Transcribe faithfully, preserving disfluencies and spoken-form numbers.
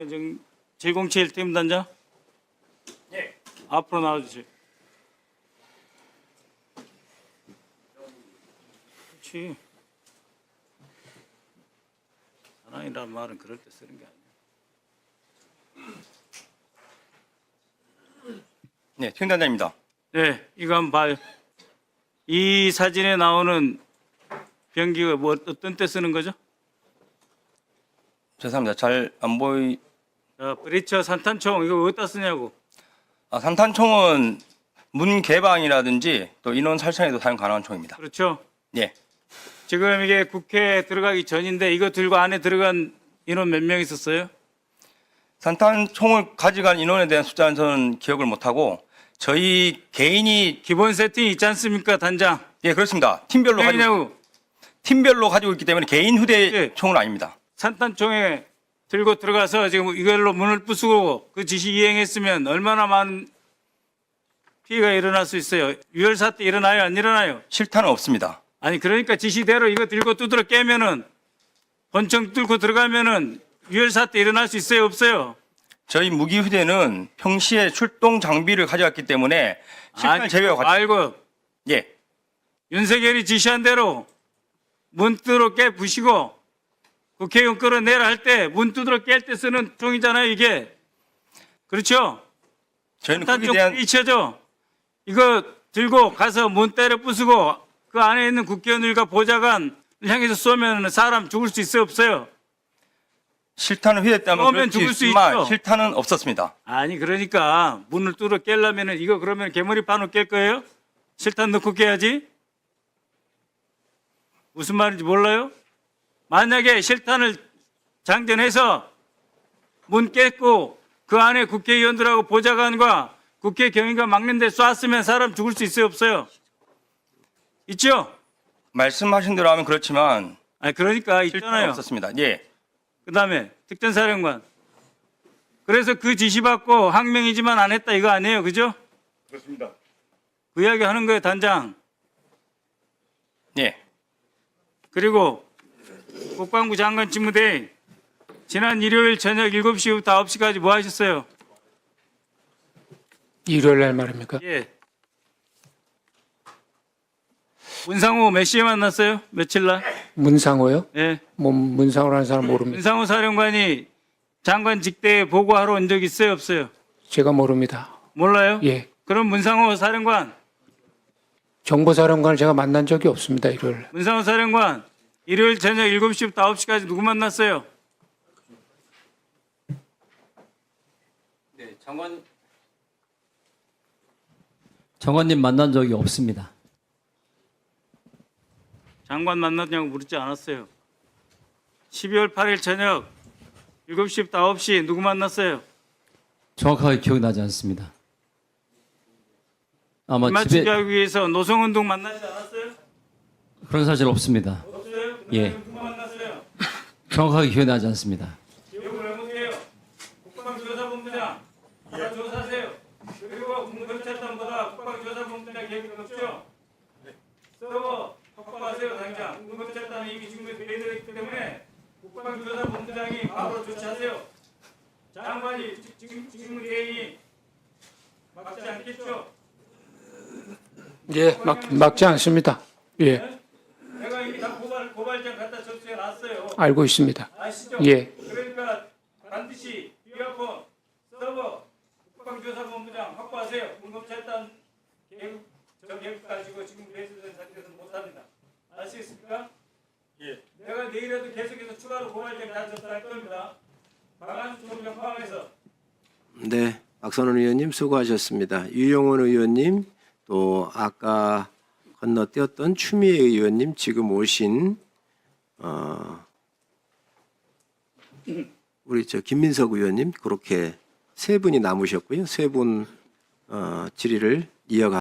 제공칠 팀단장. 예. 앞으로 나와주세요. 그렇지. 사랑이라는 말은 그럴 때 쓰는 게 아니에요. 네, 팀단장입니다. 네, 이거 한번 봐요. 이 사진에 나오는 병기가 뭐 어떤 때 쓰는 거죠? 죄송합니다. 잘 안 보이. 자, 브리처 산탄총 이거 어디다 쓰냐고. 아, 산탄총은 문 개방이라든지 또 인원 살상에도 사용 가능한 총입니다. 그렇죠. 예. 지금 이게 국회에 들어가기 전인데 이거 들고 안에 들어간 인원 몇 명 있었어요? 산탄총을 가져간 인원에 대한 숫자는 저는 기억을 못하고 저희 개인이 기본 세팅이 있지 않습니까, 단장? 예 그렇습니다. 팀별로 가지고 왜냐고 팀별로 가지고 있기 때문에 개인 휴대 예. 총은 아닙니다. 산탄총에 들고 들어가서 지금 이걸로 문을 부수고 그 지시 이행했으면 얼마나 많은 피해가 일어날 수 있어요. 유혈 사태 일어나요, 안 일어나요? 실탄은 없습니다. 아니 그러니까 지시대로 이거 들고 두드려 깨면은 권총 뚫고 들어가면은 유혈 사태 일어날 수 있어요, 없어요? 저희 무기 휴대는 평시에 출동 장비를 가져왔기 때문에 실탄 제외와 같이 알고 예. 윤석열이 지시한 대로 문 두드러 깨 부시고 국회의원 끌어내라 할 때 문 두드러 깰 때 쓰는 총이잖아요, 이게. 그렇죠? 저희는 일단 거기에 좀 대한 잊혀져. 이거 들고 가서 문 때려 부수고 그 안에 있는 국회의원들과 보좌관을 향해서 쏘면 사람 죽을 수 있어요, 없어요? 실탄을 휴대했다면 쏘면 그럴 수 죽을 수 있지만 있죠. 실탄은 없었습니다. 아니 그러니까 문을 뚫어 깨려면은 이거 그러면 개머리판으로 깰 거예요? 실탄 넣고 깨야지. 무슨 말인지 몰라요? 만약에 실탄을 장전해서 문 깼고 그 안에 국회의원들하고 보좌관과 국회 경위가 막는데 쐈으면 사람 죽을 수 있어요, 없어요? 있죠? 말씀하신 대로 하면 그렇지만 아니 그러니까 실탄은 있잖아요. 없었습니다. 예. 그다음에 특전사령관. 그래서 그 지시받고 항명이지만 안 했다 이거 아니에요, 그죠? 그렇습니다. 그 이야기 하는 거예요, 단장. 예. 그리고 국방부 장관 직무대행 지난 일요일 저녁 일곱 시부터 아홉 시까지 뭐 하셨어요? 일요일 날 말입니까? 예. 문상호 몇 시에 만났어요? 며칠 날? 문상호요? 예. 뭐 문상호라는 사람 모릅니다. 문상호 사령관이 장관 직대에 보고하러 온 적 있어요, 없어요? 제가 모릅니다. 몰라요? 예. 그럼 문상호 사령관, 정보사령관을 제가 만난 적이 없습니다. 일요일. 문상호 사령관 일요일 저녁 일곱 시부터 아홉 시까지 누구 만났어요? 네, 장관 장관님 만난 적이 없습니다. 장관 만났냐고 물지 않았어요. 십이월 팔일 저녁 일곱 시부터 아홉 시 누구 만났어요? 정확하게 기억나지 않습니다. 아마 맞추기 집에 하기 위해서 노성운동 만나지 않았어요? 그런 사실 없습니다. 없어요? 예. 누구 만났어요? 정확하게 기억나지 않습니다. 기억을 해보세요. 국방조사본부장 다 조사하세요. 그리고 군검찰단보다 국방조사본부장 계획이 없죠? 서버 확보하세요, 당장. 군검찰단은 이미 지금에 배제되어 있기 때문에 국방조사본부장이 바로 조치하세요. 장관이 지금 지금 대행이 막지 않겠죠? 예, 막, 막지 않습니다. 예, 내가 이미 다 고발 고발장 갖다 접수해 놨어요. 알고 있습니다. 아시죠? 예. 그러니까 반드시 비아폰 서버 국방조사본부장 확보하세요. 군검찰단 계획 저 계획 가지고 지금 배수된 상태에서 못합니다. 아시겠습니까? 예. 내가 내일에도 계속해서 추가로 고발장 다 접수할 겁니다. 방안수 총장 포함해서. 네, 박선원 의원님 수고하셨습니다. 유영원 의원님 또 아까 건너뛰었던 추미애 의원님 지금 오신 어, 우리 저 김민석 의원님 그렇게 세 분이 남으셨고요. 세 분 어, 질의를 이어가.